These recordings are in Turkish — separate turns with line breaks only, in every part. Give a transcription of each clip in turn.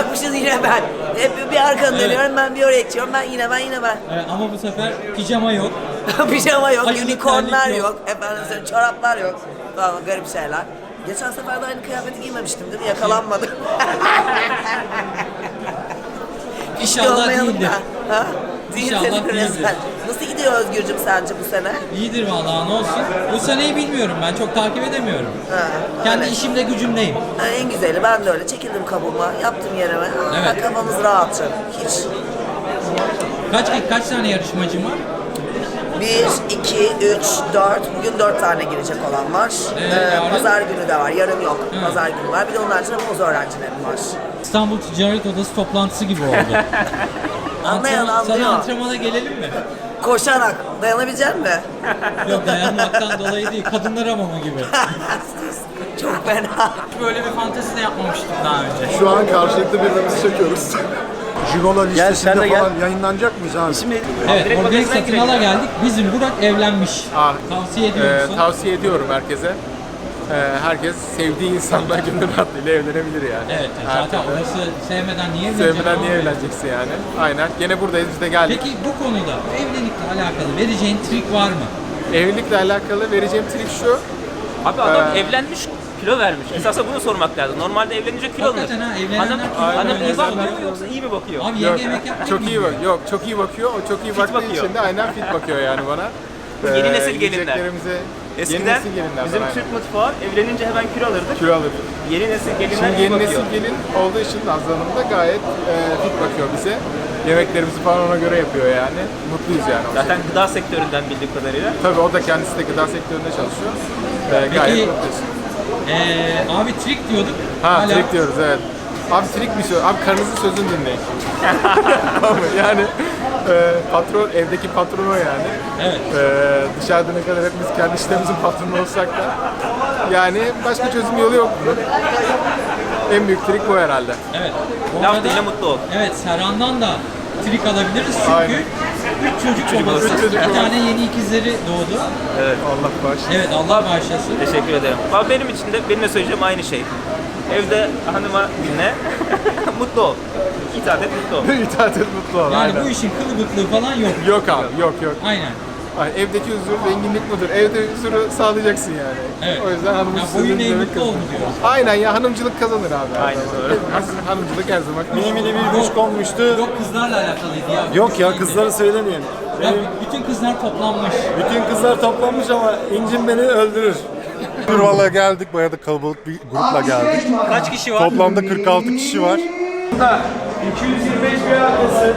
bırakmışız yine ben. Hep bir arkanı dönüyorum, ben bir oraya geçiyorum, yine ben.
Ama bu sefer pijama yok.
Pijama yok,
Aşırı
unicornlar
terlik
yok, efendim söyleyeyim, çoraplar yok falan, garip şeyler. Geçen sefer de aynı kıyafeti giymemiştim değil mi? Yakalanmadım.
İnşallah değildir.
Ha?
İnşallah değildir.
Nasıl gidiyor Özgürcüm sence bu sene?
İyidir vallahi, ne olsun. Bu seneyi bilmiyorum, ben çok takip edemiyorum. Kendi işimde gücümdeyim.
Ha, en güzeli, ben de öyle çekildim kabuğuma, yaptım yerime.
Evet.
Kafamız rahat canım, hiç.
Kaç tane yarışmacım var?
1, 2, 3, 4, bugün 4 tane girecek olan var.
Yarın?
Pazar günü de var, yarın yok. Pazar günü var, bir de onun haricinde poz öğrencilerim var.
İstanbul Ticaret Odası toplantısı gibi oldu.
Anlayan anlıyor.
Sana antrenmana gelelim mi?
Koşarak, dayanabilecek misin?
Yok, dayanmaktan dolayı değil, kadınlar hamamı gibi.
Çok fena.
Böyle bir fantezi de yapmamıştık daha önce.
Şu an karşılıklı birbirimizi çekiyoruz. Jigola listesinde falan yayınlanacak mıyız abi?
Evet, organik satın ala geldik. Bizim Burak evlenmiş. Tavsiye ediyor musun?
Tavsiye ediyorum herkese. Herkes sevdiği insanla gönül rahatlığıyla evlenebilir yani.
Evet, zaten orası sevmeden niye evleneceksin?
Sevmeden niye evleneceksin yani? Aynen. Gene buradayız, biz de geldik.
Peki bu konuda evlilikle alakalı vereceğin trik var mı?
Evlilikle alakalı vereceğim trik şu.
Abi adam evlenmiş, kilo vermiş. Esasında bunu sormak lazım. Normalde evlenince kilo alınır.
Hakikaten ha, evlenenler kilo
Hanım
alıyor.
iyi bakmıyor mu yoksa iyi mi bakıyor?
Abi
Yok,
yenge yemek yapmıyor
çok
mu?
iyi bak. Yok, çok iyi bakıyor. O çok iyi baktığı
bakıyor.
için de aynen fit bakıyor yani bana.
Yeni nesil gelinler.
Yiyeceklerimize yeni
Eskiden
nesil gelinler
bizim
aynen.
Türk mutfağı evlenince hemen kilo alırdık.
Kilo alır.
Yeni nesil gelinler
Şimdi
iyi
yeni
bakıyor.
nesil gelin olduğu için Nazlı Hanım da gayet fit bakıyor bize. Yemeklerimizi falan ona göre yapıyor yani. Mutluyuz yani.
Zaten gıda sektöründen bildiğim kadarıyla.
Tabii o da kendisi de gıda sektöründe çalışıyor. Gayet mutluyuz.
Abi trik diyorduk.
Ha, trik diyoruz, evet. Abi trik bir şey. Abi karınızın sözünü dinleyin. Yani patron, evdeki patron o yani.
Evet.
Dışarıda ne kadar hepimiz kendi işlerimizin patronu olsak da yani başka çözüm yolu yok bunun. En büyük trik bu herhalde.
Evet. Bu
Laf
arada-
dinle mutlu ol.
Evet, Serhan'dan da trik alabiliriz çünkü
Aynen.
3 çocuk babası.
Üç çocuk
Bir
babası.
tane yeni ikizleri doğdu.
Allah bağışlasın.
Evet, Allah bağışlasın.
Teşekkür ederim. Abi benim için de benim de söyleyeceğim aynı şey. Evde hanıma dinle, mutlu ol. İtaat et, mutlu ol.
İtaat et, mutlu ol.
Yani
aynen.
bu işin kılıbıklığı falan yok.
Yok abi, yok.
Aynen.
Ay, evdeki huzur zenginlik budur. Evde huzuru sağlayacaksın yani.
Evet.
O yüzden hanımın
Ya
sözünü
boyun eğ
dinlemek
mutlu
lazım.
ol diyoruz.
Aynen ya, hanımcılık kazanır abi. her
Aynen
zaman.
doğru.
Hanımcılık her zaman.
Mini bir kuş konmuştu.
Yok, kızlarla alakalıydı ya.
Yok ya, kızları söylemeyin.
Ya bütün kızlar toplanmış.
Bütün kızlar toplanmış ama incin beni öldürür.
Valla geldik, bayağı da kalabalık bir grupla geldik.
Kaç kişi var?
Toplamda 46 kişi var.
225 bir arkası,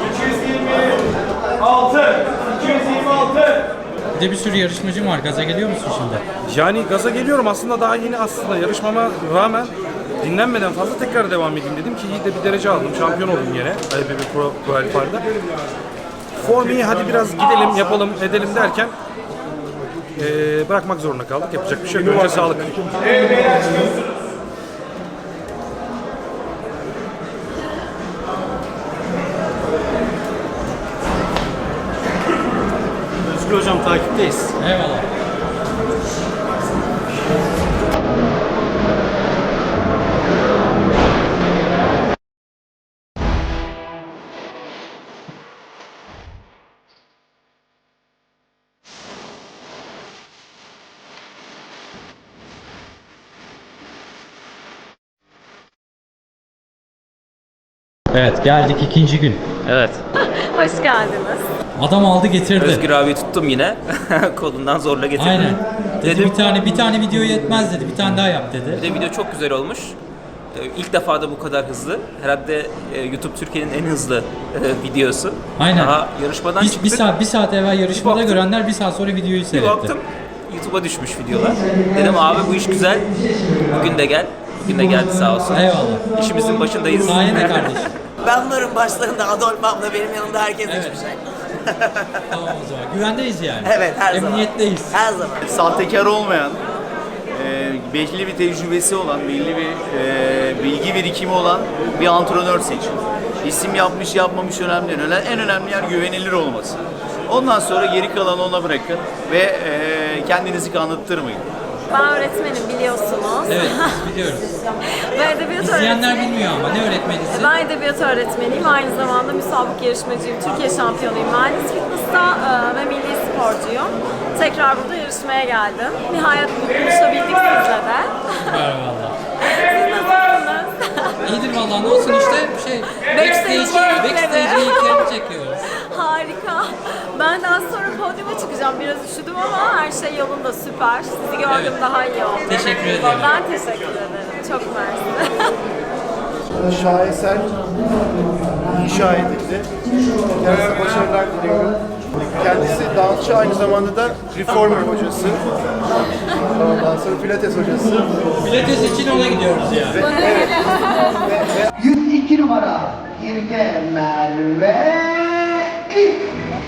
226, 226.
Bir de bir sürü yarışmacım var. Gaza geliyor musun şimdi?
Yani gaza geliyorum aslında, daha yeni aslında yarışmama rağmen dinlenmeden fazla tekrar devam edeyim dedim ki iyi de bir derece aldım, şampiyon oldum yine IBB Pro Qualifier'da. Form iyi, hadi biraz gidelim yapalım edelim derken bırakmak zorunda kaldık, yapacak bir şey yok. Önce sağlık. Özgür hocam takipteyiz.
Eyvallah. Evet, geldik ikinci gün.
Evet.
Hoş geldiniz.
Adam aldı getirdi.
Özgür abi tuttum yine. Kolundan zorla getirdim.
Aynen. Dedi
Dedim,
bir tane video yetmez dedi. Bir tane daha yap dedi.
bir de video çok güzel olmuş. İlk defa da bu kadar hızlı. Herhalde YouTube Türkiye'nin en hızlı videosu.
Aynen.
Daha yarışmadan çıktık.
Bir saat evvel yarışmada
baktım.
görenler bir saat sonra videoyu
Bir
seyretti.
baktım YouTube'a düşmüş videolar. Dedim abi bu iş güzel. Bugün de gel. Bugün de geldi sağ olsun.
Eyvallah.
İşimizin başındayız.
Sayende kardeşim.
Ben varım başlarında, Adolf abla benim yanımda, herkes
Evet.
hiçbir şey.
Tamam o zaman. Güvendeyiz yani.
Evet, her zaman.
Emniyetteyiz.
Her zaman.
Sahtekar olmayan, belli bir tecrübesi olan, belli bir bilgi birikimi olan bir antrenör seçin. İsim yapmış yapmamış önemli değil. En önemli yer güvenilir olması. Ondan sonra geri kalanı ona bırakın ve kendinizi kanıttırmayın.
Ben öğretmenim biliyorsunuz.
Evet, biz biliyoruz.
Ben edebiyat
İzleyenler
öğretmeniyim.
bilmiyor ama ne öğretmenisin?
Ben edebiyat öğretmeniyim. Aynı zamanda müsabık yarışmacıyım. Türkiye şampiyonuyum. Mühendis fitness'ta ve milli sporcuyum. Tekrar burada yarışmaya geldim. Nihayet buluşabildik sizle de.
Süper valla.
Siz nasılsınız?
İyidir valla, ne olsun işte
Backstage
geyiklerini çekiyoruz.
Harika. Ben de az sonra podyuma çıkacağım. Biraz üşüdüm ama her şey yolunda, süper. Sizi gördüm, daha iyi oldu.
Teşekkür ederim.
Ben teşekkür ederim. Çok mersi.
Şaheser inşa edildi. Kendisine başarılar diliyorum. Kendisi dansçı, aynı zamanda da reformer hocası. Ondan sonra pilates hocası.
Pilates için ona gidiyoruz yani.
102 numara Girge Merve İlk.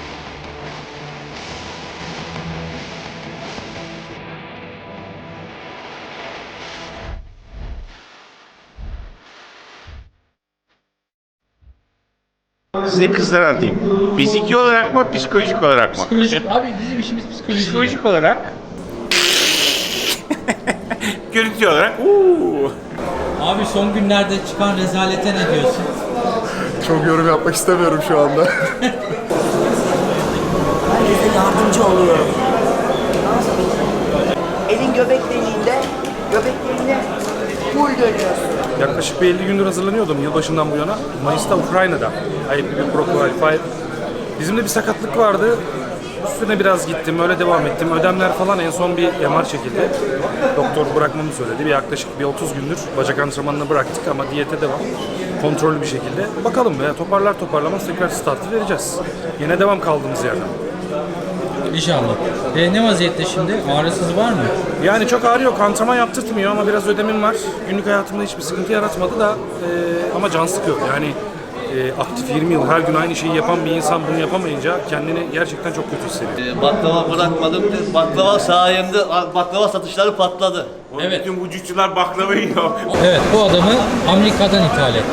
Size kızlar anlatayım. Fiziki olarak mı, psikolojik olarak mı?
Abi bizim işimiz psikoloji.
Psikolojik olarak görüntü olarak
Abi son günlerde çıkan rezalete ne diyorsun?
Çok yorum yapmak istemiyorum şu anda.
Herkese yardımcı oluyorum. Elin göbekliğinde full dönüyorsun.
Yaklaşık bir 50 gündür hazırlanıyordum yılbaşından bu yana. Mayıs'ta Ukrayna'da IFBB Pro Qualifier. Bizim de bir sakatlık vardı. Üstüne biraz gittim, öyle devam ettim. Ödemler falan, en son bir MR çekildi. Doktor bırakmamı söyledi. Bir yaklaşık bir 30 gündür bacak antrenmanını bıraktık ama diyete devam. Kontrollü bir şekilde. Bakalım ya, toparlar toparlamaz tekrar startı vereceğiz. Yine devam kaldığımız yerden.
İnşallah. Ne vaziyette şimdi? Ağrısız var mı?
Yani çok ağrı yok, antrenman yaptırtmıyor ama biraz ödemim var. Günlük hayatımda hiçbir sıkıntı yaratmadı da ama can sıkıyor. Yani aktif 20 yıl her gün aynı şeyi yapan bir insan bunu yapamayınca kendini gerçekten çok kötü hissediyor.
Baklava bırakmadım. Baklava sayemde baklava satışları patladı.
Evet.
bütün vücutçular baklava yiyor.
Evet, bu adamı Amerika'dan ithal etti.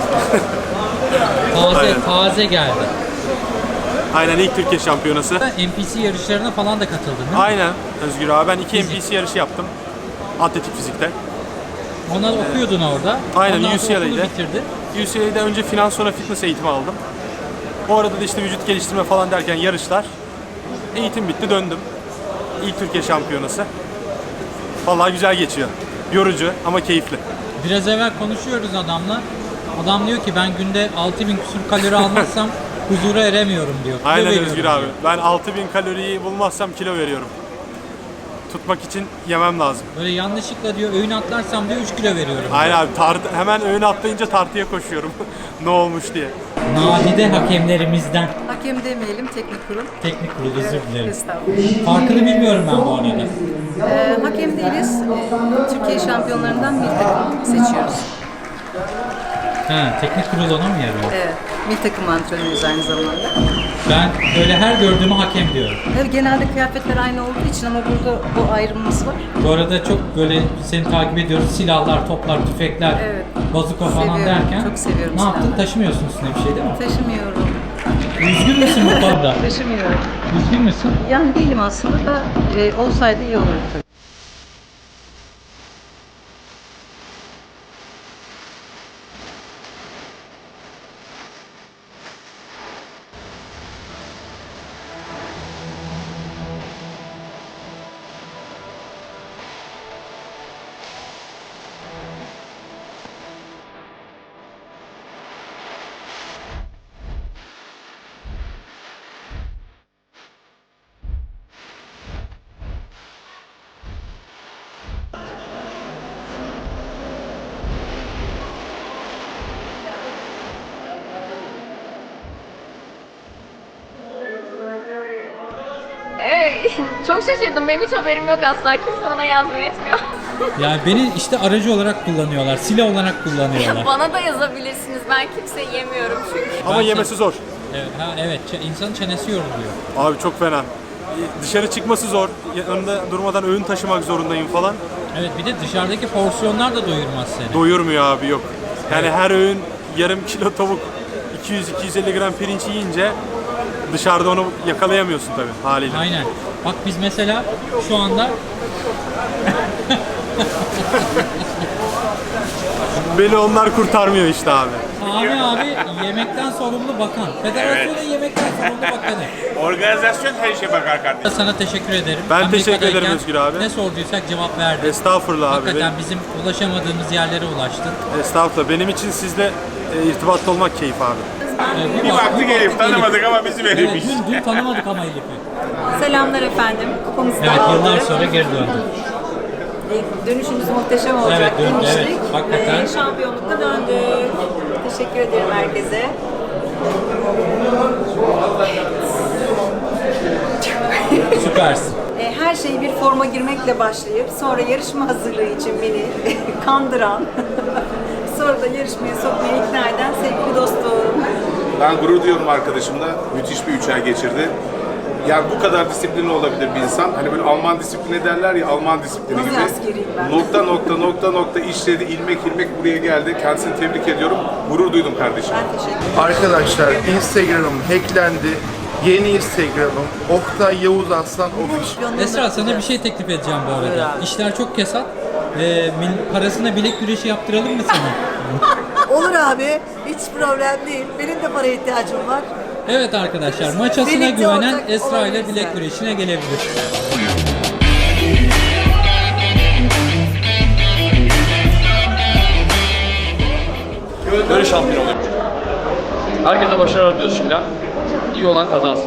Taze geldi.
Aynen, ilk Türkiye şampiyonası.
NPC yarışlarına falan da katıldın değil mi?
Aynen Özgür abi. Ben 2 NPC yarışı yaptım. Atletik fizikte.
Onlar okuyordun orada.
Aynen,
Ondan sonra okulu
UCLA'de.
bitirdin.
UCLA'de önce finans, sonra fitness eğitimi aldım. O arada da işte vücut geliştirme falan derken yarışlar. Eğitim bitti, döndüm. İlk Türkiye şampiyonası. Vallahi güzel geçiyor. Yorucu ama keyifli.
Biraz evvel konuşuyoruz adamla. Adam diyor ki ben günde 6000 küsur kalori almazsam huzura eremiyorum diyor. Kilo
Aynen
veriyorum
Özgür
diyor.
abi. Ben 6000 kaloriyi bulmazsam kilo veriyorum. Tutmak için yemem lazım.
Böyle yanlışlıkla diyor öğün atlarsam diyor 3 kilo veriyorum.
Aynen abi. Hemen öğüne atlayınca tartıya koşuyorum. Ne olmuş diye.
Nadide hakemlerimizden.
Hakem demeyelim, teknik kurul.
Teknik kurul, özür dilerim.
Estağfurullah.
Farkını bilmiyorum ben bu arada.
Hakem değiliz. Türkiye şampiyonlarından bir takım seçiyoruz.
Ha, teknik kurul ona mı yarıyor?
Evet. Bir takım antrenörüyüz aynı zamanda.
Ben öyle her gördüğümü hakem diyorum.
Evet, genelde kıyafetler aynı olduğu için ama burada bu ayrımımız var.
Bu arada çok böyle seni takip ediyoruz. Silahlar, toplar, tüfekler,
Evet.
bazuka falan
Seviyorum,
derken.
çok seviyorum
Ne yaptın?
silahları.
Taşımıyorsun üstüne bir şey değil mi?
Taşımıyorum.
Üzgün müsün bu konuda?
Taşımıyorum.
Üzgün müsün?
Yani değilim aslında da olsaydı iyi olurdu tabii. Çok şaşırdım. Benim hiç haberim yok asla. Kimse bana yardım etmiyor.
Yani beni işte aracı olarak kullanıyorlar, silah olarak kullanıyorlar.
Bana da yazabilirsiniz. Ben kimseyi yemiyorum çünkü.
Ama yemesi zor.
Evet, evet, insanın çenesi yoruluyor.
Abi çok fena. Dışarı çıkması zor. Yanında durmadan öğün taşımak zorundayım falan.
Evet, bir de dışarıdaki porsiyonlar da doyurmaz seni.
Doyurmuyor abi, yok. Yani her öğün yarım kilo tavuk, 200-250 gram pirinç yiyince dışarıda onu yakalayamıyorsun tabii haliyle.
Aynen. Bak biz mesela şu anda
Beni onlar kurtarmıyor işte abi.
Sami abi yemekten sorumlu bakan. Federasyonun yemekten sorumlu bakanı.
Organizasyon her şeye bakar kardeşim.
Sana teşekkür ederim.
Ben teşekkür ederim
Amerika'dayken
Özgür abi.
Ne sorduysak cevap verdin.
Estağfurullah abi.
Hakikaten bizim ulaşamadığımız yerlere ulaştın.
Estağfurullah. Benim için sizle irtibatta olmak keyif abi.
Bir baktık Elif, tanımadık ama bizi
Evet,
verilmiş.
dün tanımadık ama Elif'i.
Selamlar efendim. Kupamızı da
Evet,
aldık.
yıllar sonra geri döndü.
Dönüşümüz muhteşem olacak
Evet,
demiştik.
evet, hakikaten.
Ve şampiyonlukla döndük. Teşekkür ederim herkese.
Süpersin.
Her şeyi bir forma girmekle başlayıp sonra yarışma hazırlığı için beni kandıran, sonra da yarışmaya sokmaya ikna eden sevgili dostum.
Ben gurur duyuyorum arkadaşımla. Müthiş bir 3 ay geçirdi. Yani bu kadar disiplinli olabilir bir insan. Hani böyle Alman disiplini derler ya, Alman disiplini
Nasıl
gibi.
askeriyim ben?
Nokta işledi, ilmek buraya geldi. Kendisini tebrik ediyorum. Gurur duydum kardeşim.
Ben teşekkür ederim.
Arkadaşlar Instagram'ım hacklendi. Yeni Instagram'ım Oktay Yavuz Aslan Official.
Esra sana bir şey teklif edeceğim bu arada. İşler çok kesat. Parasına bilek güreşi yaptıralım mı sana?
Olur abi. Hiç problem değil. Benim de paraya ihtiyacım var.
Evet arkadaşlar, maçasına
Birlikte
güvenen
olacak,
Esra ile
olabilir
bilek
yani.
güreşine gelebilir.
Böyle şampiyon oluyor. Herkese başarılar diliyoruz şimdiden. İyi olan kazansın.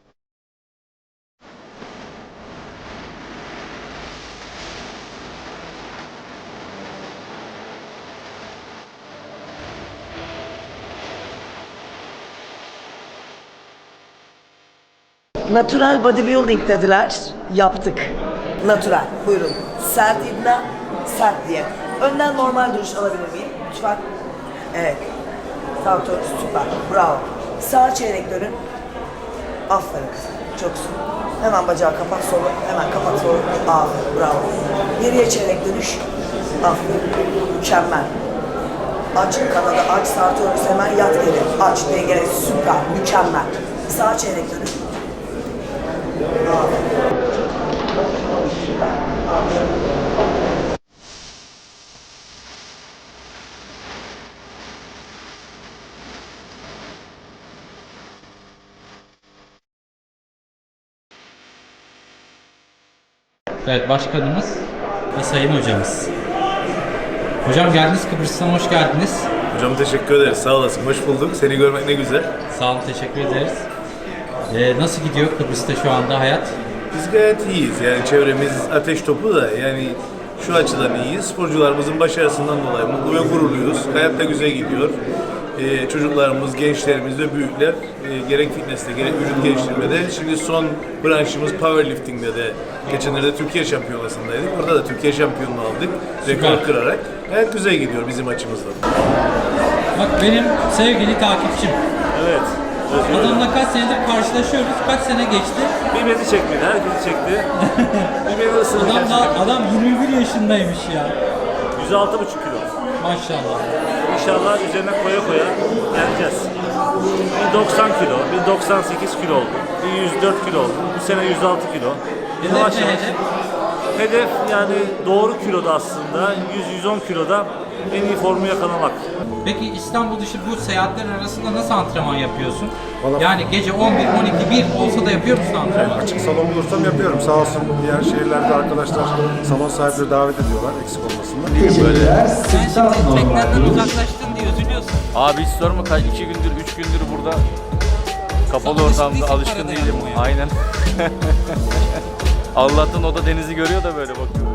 Natural bodybuilding dediler. Yaptık. Natural. Buyurun. Sert iddia, sert diye. Önden normal duruş alabilir miyim? Lütfen. Evet. Tamam, süper. Bravo. Sağ çeyrek dönün. Aferin kızım. Çoksun. Hemen bacağı kapat solu. Hemen kapat solu. Aferin. Bravo. Geriye çeyrek dönüş. Aferin. Mükemmel. Aç kanadı, aç sartıyoruz hemen yat geri. Aç dengele. Süper. Mükemmel. Sağ çeyrek dönün.
Evet, başkanımız ve sayın hocamız. Hocam geldiniz, Kıbrıs'tan hoş geldiniz.
Hocam teşekkür ederiz, sağ olasın. Hoş bulduk. Seni görmek ne güzel.
Sağ olun, teşekkür ederiz. Nasıl gidiyor Kıbrıs'ta şu anda hayat?
Biz gayet iyiyiz. Yani çevremiz ateş topu da yani şu açıdan iyiyiz. Sporcularımızın başarısından dolayı mutlu ve gururluyuz. Hayat da güzel gidiyor. Çocuklarımız, gençlerimiz ve büyükler gerek fitness'te gerek vücut geliştirmede. Şimdi son branşımız powerlifting'de de geçenlerde Türkiye şampiyonasındaydık. Orada da Türkiye şampiyonluğu aldık. Rekor kırarak. Gayet güzel gidiyor bizim açımızdan.
Bak benim sevgili takipçim.
Evet.
Adamla kaç senedir karşılaşıyoruz, kaç sene geçti.
Bir beni çekmedi, herkesi çekti. Bir beni ısırdı.
Adam 21 yaşındaymış ya.
106,5 kilo.
Maşallah.
İnşallah üzerine koya koya geleceğiz. Bir 90 kilo, bir 98 kilo oldu, bir 104 kilo oldu. Bu sene 106 kilo. Yavaş yavaş. Hedef yani doğru kiloda aslında 100-110 kiloda en iyi formu yakalamak.
Peki İstanbul dışı bu seyahatler arasında nasıl antrenman yapıyorsun? Yani gece 11, 12, 1 olsa da yapıyor musun antrenman?
Açık salon bulursam yapıyorum. Sağ olsun diğer şehirlerde arkadaşlar salon sahipleri davet ediyorlar eksik olmasınlar.
Böyle. Sen şimdi teknenden uzaklaştın diye üzülüyorsun.
Abi hiç sorma, 2 gündür 3 gündür burada kapalı ortamda alışkın değilim. Aynen. Allah'tan o da denizi görüyor da böyle bakıyor.